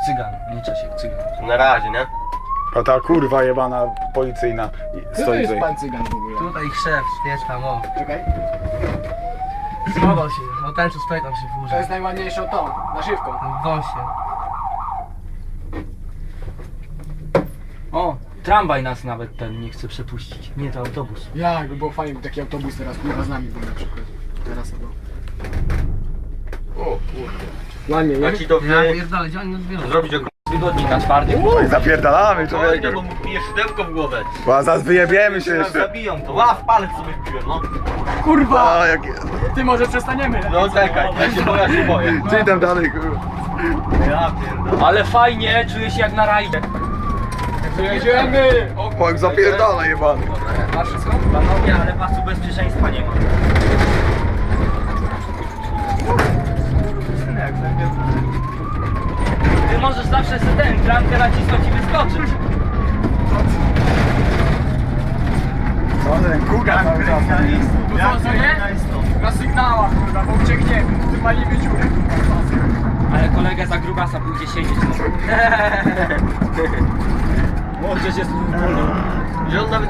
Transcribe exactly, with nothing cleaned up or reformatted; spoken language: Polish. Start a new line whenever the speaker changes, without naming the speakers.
cygan, nie Czesiek, cygan.
Na razie, nie?
A ta kurwa jebana policyjna
Co to
stoi
jest
tutaj.
pan cygan w ogóle?
Tutaj ich szef, wiesz tam, o.
Czekaj.
Schował się, no ten co stoi tam się
To
włóży.
jest najładniejszą tą, naszywką.
Właśnie. O, tramwaj nas nawet ten nie chce przepuścić. Nie, to autobus.
Ja, jakby było fajnie, gdyby taki autobus teraz kurwa z nami był na przykład. Teraz albo.
O kurde.
Ładnie, nie?
A ci to
Ja
wy...
pierdolę, gdzie oni nas biorą?
zrobić jako...
Wygodniej na twardy.
Oj, zapierdalamy
Oj, no bo
człowieku.
mu pijesz szydełko w głowę.
Bo zaraz wyjebiemy się
Nas
jeszcze.
zabiją to. Ła, w palec sobie wpiłem, no.
Kurwa!
A, jak...
Ty może przestaniemy.
No czekaj, ja się boję, ja się boję.
Czy tam dalej kurwa.
Ja pierdolę.
Ale fajnie, czuję się jak na rajdzie.
Jedziemy! O,
O, jak zapierdala jebany.
masz wszystko?
Panowie, ale pasu bezpieczeństwa nie ma. Ty możesz zawsze sobie ten klamkę nacisnąć i wyskoczyć.
Co ten kuga cały czas.
To co, co nie? Na sygnałach kurwa, bo uciekniemy. Wypalimy dziurę.
Ale kolega za grubasa pójdzie siedzieć. No. Może się
Że on nawet